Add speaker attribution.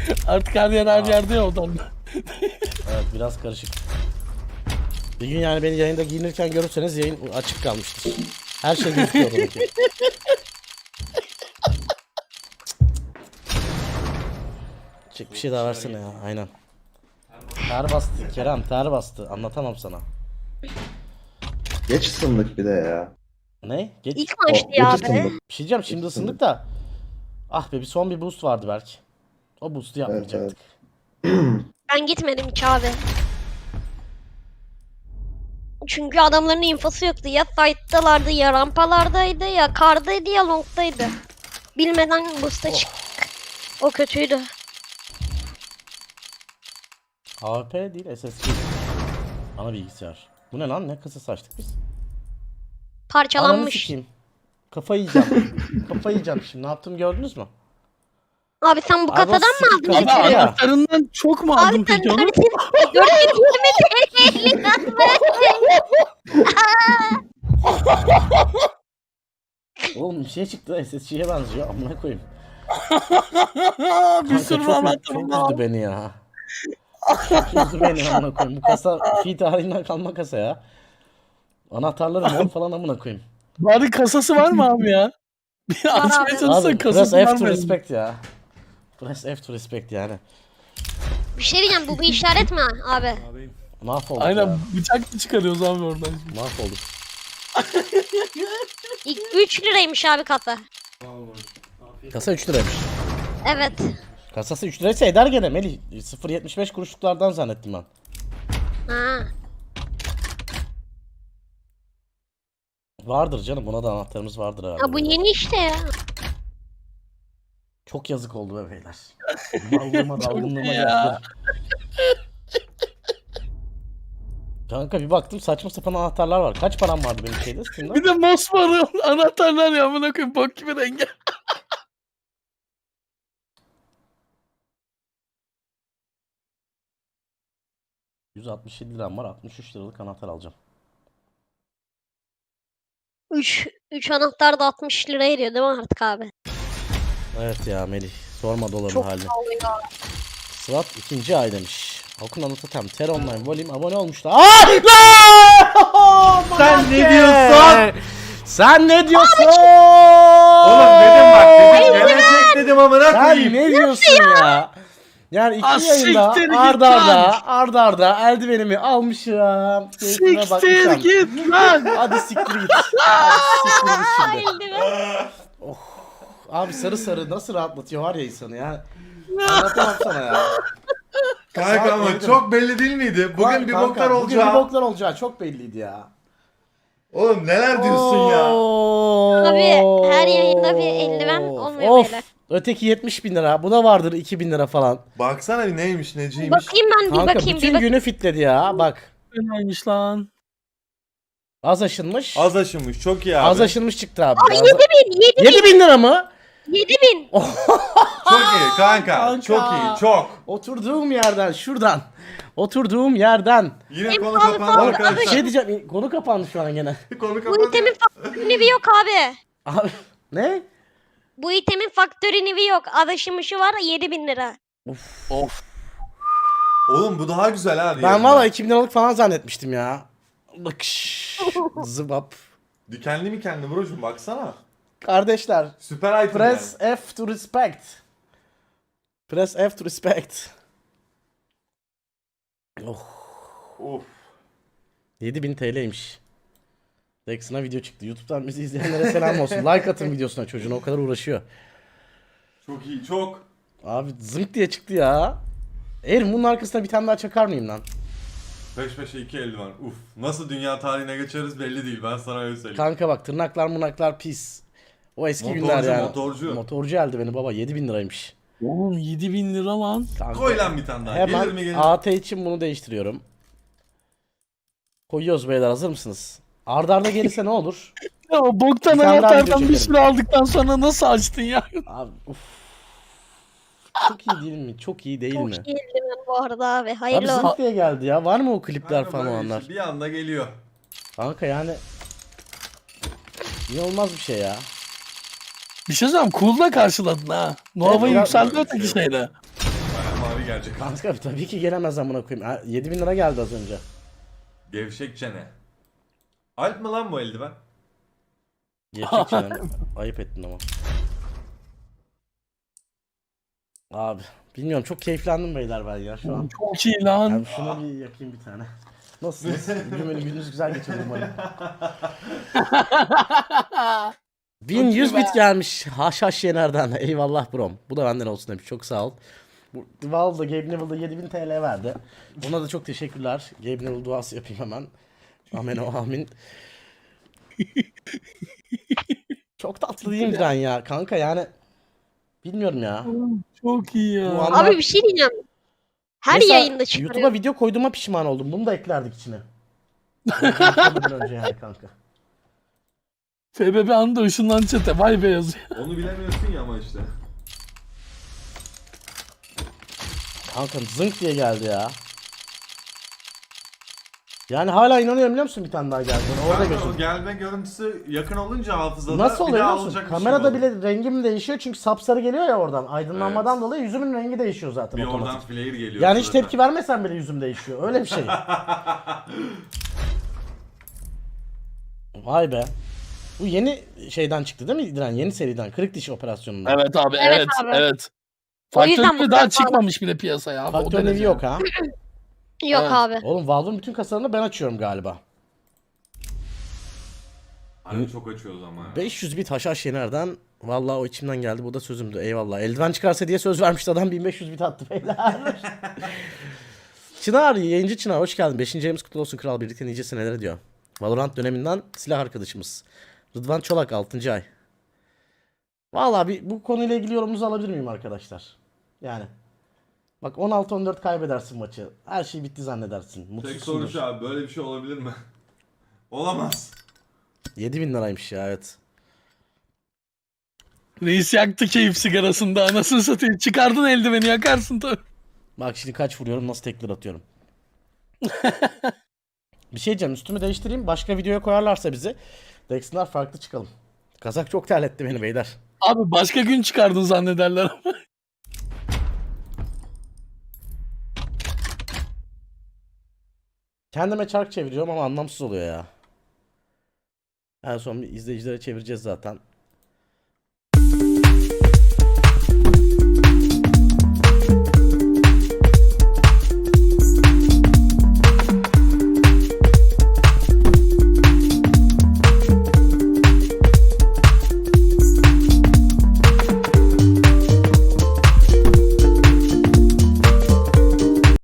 Speaker 1: Artık her yer her yerde ya odan.
Speaker 2: Evet biraz karışık. Bir gün yani beni yayında giyinirken görürseniz yayın açık kalmıştır. Her şey gözüküyor oradaki. Çık bir şey daha versene ya aynen. Ter bastı Kerem, ter bastı, anlatamam sana.
Speaker 3: Geç ısındık bir de ya.
Speaker 2: Ne? Geç.
Speaker 4: İlk maçtı
Speaker 3: Geç
Speaker 4: ya be.
Speaker 3: ısındık.
Speaker 2: Bir şey diyeceğim, şimdi ısındık da. Ah be, bir son bir boost vardı belki. O boost'u yapmayacaktık.
Speaker 4: Ben gitmedim ki abi. Çünkü adamların infosu yoktu. Ya site'dalardı, ya rampalardaydı, ya kardaydı, ya long'daydı. Bilmeden boost'a çıktık. O kötüydü.
Speaker 2: AWP değil, SSG. Ana bilgisayar. Bu ne lan? Ne kasası açtık biz? Ananı
Speaker 4: Parçalanmış.
Speaker 2: sikeyim. Kafayı yiyeceğim. Kafayı yiyeceğim şimdi. Ne yaptım gördünüz mü?
Speaker 4: Abi sen bu
Speaker 2: Abi o
Speaker 4: kasadan mı
Speaker 2: sikik
Speaker 4: aldın?
Speaker 2: kafa
Speaker 1: Abi
Speaker 2: ya.
Speaker 1: anahtarından çok mu
Speaker 4: Abi
Speaker 1: aldın
Speaker 4: sen
Speaker 1: peki onu?
Speaker 4: 420 TL
Speaker 2: Oğlum bir şey çıktı, SSG'ye benziyor. Amına koyayım.
Speaker 1: Bir
Speaker 2: Kanka
Speaker 1: sürü
Speaker 2: çok
Speaker 1: anahtarım var.
Speaker 2: üzdü beni ya. Çok üzdü beni amına koyayım. Bu kasa fi tarihinden kalma kasa ya. Anahtarları mor falan amına koyayım.
Speaker 1: Bari kasası var mı abi ya? Bir
Speaker 4: Var
Speaker 1: açmaya
Speaker 4: abi.
Speaker 1: çalışsan
Speaker 2: Abi press
Speaker 1: kasası var
Speaker 2: F to
Speaker 1: mı?
Speaker 2: respect ya. Press F to respect yani.
Speaker 4: Bir şey diyeceğim, bu bir işaret mi abi?
Speaker 2: Mahvolduk
Speaker 1: Aynen
Speaker 2: ya.
Speaker 1: bıçak mı çıkarıyoruz abi oradan?
Speaker 2: Mahvolduk.
Speaker 4: İlk 3 liraymış abi kasa.
Speaker 2: Kasa 3 liraymış.
Speaker 4: Evet.
Speaker 2: Kasası 3 liraysa eder gene Melih. 0.75 kuruşluklardan zannettim ben.
Speaker 4: Ha.
Speaker 2: Vardır canım, buna da anahtarımız vardır herhalde.
Speaker 4: Ha bu yeni işte ya.
Speaker 2: Çok yazık oldu be beyler. Mallığıma dalgınlığıma
Speaker 1: ya.
Speaker 2: geldi. Kanka bir baktım saçma sapan anahtarlar var. Kaç param vardı benim şeyde Steam'de?
Speaker 1: Bir de mosmor anahtarlar ya amına koyayım bok gibi rengi.
Speaker 2: $167 liram var. 63 liralık anahtar alacağım.
Speaker 4: 3 anahtar da 60 lira ediyor değil mi artık abi?
Speaker 2: Evet ya Melih. Sorma doların
Speaker 4: Çok
Speaker 2: halini.
Speaker 4: pahalı ya.
Speaker 2: Swat 2. ay demiş. Okun anlatan Ter Online Volume abone olmuşlar. Aaaa!
Speaker 3: Sen ne diyorsun?
Speaker 2: Sen ne diyorsun?
Speaker 3: Oğlum dedim bak dedim gelecek dedim amına
Speaker 2: Sen
Speaker 3: koyayım.
Speaker 2: ne diyorsun ya? Yani iki
Speaker 1: Ah,
Speaker 2: yayında
Speaker 1: siktir git
Speaker 2: arda arda eldivenimi almışım. Keyfime
Speaker 1: Siktir
Speaker 2: bakmışım.
Speaker 1: git lan.
Speaker 2: Hadi siktir git. Hadi siktir git şimdi.
Speaker 4: Eldiven.
Speaker 2: Abi sarı sarı nasıl rahatlatıyor var ya insanı ya. Anlatamam sana ya.
Speaker 3: Kanka ama
Speaker 2: Saat
Speaker 3: çok belli değil miydi? Bugün bir
Speaker 2: Kanka,
Speaker 3: boklar
Speaker 2: Bugün
Speaker 3: olacağı.
Speaker 2: bir boklar olacağı çok belliydi ya.
Speaker 3: Oğlum neler diyorsun ya?
Speaker 4: Abi, her yayında bir eldiven olmuyor
Speaker 2: Of.
Speaker 4: beyler.
Speaker 2: Öteki 70.000 lira. Bu da vardır 2.000 lira falan.
Speaker 3: Baksana bir neymiş neciymiş.
Speaker 4: Bakayım ben bir
Speaker 2: Kanka
Speaker 4: bakayım
Speaker 2: bütün
Speaker 4: bir bakayım.
Speaker 2: günü fitledi ya. Bak.
Speaker 1: Neymiş lan?
Speaker 2: Az aşınmış.
Speaker 3: Az aşınmış çok iyi abi.
Speaker 2: Az aşınmış çıktı abi.
Speaker 4: Abi 7.000
Speaker 2: 7.000 lira mı?
Speaker 4: 7.000.
Speaker 3: Çok iyi kanka.
Speaker 2: Kanka.
Speaker 3: Çok iyi çok.
Speaker 2: Oturduğum yerden şuradan. Oturduğum yerden.
Speaker 3: Yine
Speaker 4: En
Speaker 3: konu
Speaker 4: pahalı
Speaker 3: kapandı
Speaker 4: falan.
Speaker 2: Bir
Speaker 3: arkadaşlar.
Speaker 2: şey diyeceğim. Konu kapandı şu an gene.
Speaker 3: Konu
Speaker 4: Bu
Speaker 3: kapandı.
Speaker 4: itemin faktörü nevi yok abi.
Speaker 2: Abi ne?
Speaker 4: Bu itemin faktörü nevi yok. Adaşımışı var 7.000 lira.
Speaker 1: Of.
Speaker 3: Oğlum bu daha güzel ha.
Speaker 2: Ben
Speaker 3: diğerinden.
Speaker 2: valla 2.000 liralık falan zannetmiştim ya. Bakış. Zıbap.
Speaker 3: Dikenli mi kendi brocum baksana.
Speaker 2: Kardeşler.
Speaker 3: Süper item
Speaker 2: Press
Speaker 3: yani.
Speaker 2: F to respect. Press F to respect. Oh.
Speaker 3: Of.
Speaker 2: 7.000 TL'ymiş. Dex'ına video çıktı. YouTube'dan bizi izleyenlere selam olsun. Like atın videosuna, çocuğuna o kadar uğraşıyor.
Speaker 3: Çok iyi çok.
Speaker 2: Abi zınk diye çıktı ya. Eğer bunun arkasına bir tane daha çakar mıyım lan?
Speaker 3: Peş peşe 2 eldiven. Uf. Nasıl dünya tarihine geçeriz belli değil. Ben sana öyle söyleyeyim.
Speaker 2: Kanka bak, tırnaklar mınaklar pis. O eski
Speaker 3: Motorcu,
Speaker 2: günler yani.
Speaker 3: motorcu.
Speaker 2: Motorcu eldiveni baba 7.000 liraymış.
Speaker 1: Oğlum 7.000 lira lan.
Speaker 2: Kanka,
Speaker 3: Koy lan bir tane daha. Gelir mi
Speaker 2: hemen
Speaker 3: gelir?
Speaker 2: AT için bunu değiştiriyorum. Koyuyoruz beyler, hazır mısınız? Arda arda gelirse ne olur?
Speaker 1: Ya o boktan
Speaker 2: Bir tane daha video
Speaker 1: anahtardan bir
Speaker 2: çekelim.
Speaker 1: sürü aldıktan sonra nasıl açtın ya?
Speaker 2: Abi uf. Çok iyi değil mi? Çok iyi değil
Speaker 4: Çok
Speaker 2: mi?
Speaker 4: iyi eldiven bu arada abi.
Speaker 2: Abi
Speaker 4: Hayırlı olsun.
Speaker 2: zınk diye geldi ya. Var mı o klipler
Speaker 3: Kanka
Speaker 2: falan o
Speaker 3: böyle
Speaker 2: anlar?
Speaker 3: işte bir anda geliyor.
Speaker 2: Kanka yani inanılmaz bir şey ya.
Speaker 1: Bir şey söyleyeyim cool'la karşıladın ha. Nova'yı
Speaker 2: Evet,
Speaker 1: yükseldi
Speaker 3: biraz-
Speaker 1: öteki şeyle.
Speaker 3: mi gelecek?
Speaker 2: Kanka tabii ki gelemez amına koyayım. 7.000 lira geldi az önce.
Speaker 3: Gevşek çene. Alp mı lan bu eldiven?
Speaker 2: Gerçek çenem. Ayıp ettin ama. Abi bilmiyorum, çok keyiflendim beyler ben ya şu an.
Speaker 1: Çok iyi lan.
Speaker 2: Yani şunu bir yakayım bir tane. Nasılsınız? Bugün böyle gününüz güzel geçiyor umarım. 1100 bit gelmiş. Haşhaş Yener'den. Eyvallah brom. Bu da benden olsun demiş. Çok sağ ol. Bu Valve'da Gabe Neville'da 7000 TL verdi. Ona da çok teşekkürler. Gabe Neville duası yapayım hemen. Amen o amin. Çok tatlı değil mi Diren ya? Kanka yani bilmiyorum ya.
Speaker 1: Çok iyi ya.
Speaker 2: Bu anlar-
Speaker 4: Abi bir şey diyeceğim. Her
Speaker 2: Mesela
Speaker 4: yayında çıkarıyor.
Speaker 2: YouTube'a video koyduğuma pişman oldum. Bunu da eklerdik içine. Konuşmadan önce yani kanka.
Speaker 1: FBB anında ışınlan çete. Vay be yazıyor.
Speaker 3: Onu bilemiyorsun ya ama işte.
Speaker 2: Kanka zınk diye geldi ya. Yani hala inanıyorum biliyor musun bir tane daha geldi. Orada
Speaker 3: Kanka,
Speaker 2: gözüm.
Speaker 3: o gelme görüntüsü yakın olunca hafızada
Speaker 2: Nasıl
Speaker 3: bir
Speaker 2: oluyor
Speaker 3: daha
Speaker 2: biliyor musun?
Speaker 3: alacak bir şey
Speaker 2: Kamerada
Speaker 3: oldu.
Speaker 2: bile rengim değişiyor çünkü sapsarı geliyor ya oradan. Aydınlanmadan
Speaker 3: Evet.
Speaker 2: dolayı yüzümün rengi değişiyor zaten
Speaker 3: Bir
Speaker 2: otomatik.
Speaker 3: oradan flare geliyor.
Speaker 2: Yani hiç
Speaker 3: zaten.
Speaker 2: tepki vermesen bile yüzüm değişiyor. Öyle bir şey. Vay be. Bu yeni şeyden çıktı değil mi Diren? Yeni seriden. Kırık diş operasyonundan.
Speaker 1: Evet abi
Speaker 4: Evet
Speaker 1: evet
Speaker 4: abi.
Speaker 1: evet.
Speaker 4: O yüzden
Speaker 1: Faktör
Speaker 4: bu
Speaker 1: daha
Speaker 4: kadar
Speaker 1: çıkmamış bile piyasaya abi. O
Speaker 2: Faktör nevi
Speaker 1: derece.
Speaker 2: yok ha.
Speaker 4: Yok
Speaker 1: Evet.
Speaker 4: abi.
Speaker 2: Oğlum Valve'ın bütün kasalarını ben açıyorum galiba.
Speaker 3: Hani çok açıyoruz ama ya.
Speaker 2: 500 bit haşhaş Yener'den. Vallahi o içimden geldi. Bu da sözümdü. Eyvallah. Eldiven çıkarsa diye söz vermişti adam. 1500 bit attı beyler. Çınar, yayıncı Çınar hoş geldin. 5. ayımız kutlu olsun kral. Birlikte nice seneler diyor. Valorant döneminden silah arkadaşımız. Rıdvan Çolak 6. ay. Vallahi bu konuyla ilgili yorumunuzu alabilir miyim arkadaşlar? Yani. Bak 16-14 kaybedersin maçı. Her şey bitti zannedersin.
Speaker 3: Tek soru
Speaker 2: Mutsuzsundur.
Speaker 3: şu abi, böyle bir şey olabilir mi? Olamaz.
Speaker 2: 7000 liraymış ya, evet.
Speaker 1: Reis yaktı keyif sigarasında. Anasını satayım. Çıkardın eldiveni yakarsın tabii.
Speaker 2: Bak şimdi kaç vuruyorum, nasıl tekrar atıyorum. Bir şey diyeceğim, üstümü değiştireyim. Başka videoya koyarlarsa bizi. Dexter farklı çıkalım. Kazak çok terletti beni beyler.
Speaker 1: Abi başka gün çıkardın zannederler ama.
Speaker 2: Kendime çark çeviriyorum ama anlamsız oluyor ya. En son bir izleyicilere çevireceğiz zaten.